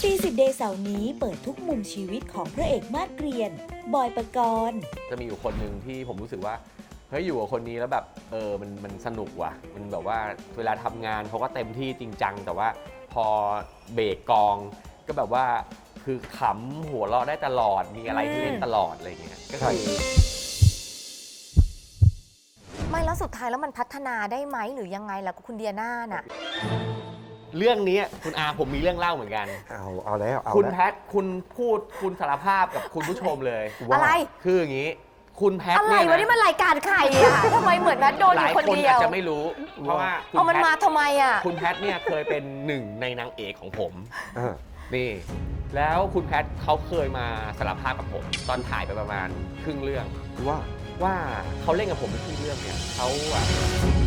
ตีสิบเดย์เสาร์นี้เปิดทุกมุมชีวิตของพระเอกมาสเกรียนบอยปกรณ์จะมีอยู่คนหนึ่งที่ผมรู้สึกว่าเฮ้ยอยู่กับคนนี้แล้วแบบมันสนุกว่ะมันแบบว่าเวลาทำงานเขาก็เต็มที่จริงจังแต่ว่าพอเบรกกองก็แบบว่าคือขำหัวเราะได้ตลอดมีอะไรที่เล่นตลอดอะไรเงี้ยก็คือไม่แล้วสุดท้ายแล้วมันพัฒนาได้ไหมหรือยังไงล่ะคุณเดียน่าน่ะเรื่องนี้คุณอาผมมีเรื่องเล่าเหมือนกันเอาแล้วคุณแพทคุณสารภาพกับคุณผู้ชมเลยอะไรคืออย่างนี้คุณแพทอะไรวะนี่มันรายการใครอะทำไมเหมือนแพทโดนอยู่คนเดียวหลายคนอาจจะไม่รู้เพราะว่ามันมาทำไมอะคุณแพทเนี่ยเคยเป็นหนึ่งในนางเอกของผมนี่แล้วคุณแพทเขาเคยมาสารภาพกับผมตอนถ่ายไปประมาณครึ่งเรื่องว่าเขาเล่นกับผมเป็นครึ่งเรื่องเนี่ยเขา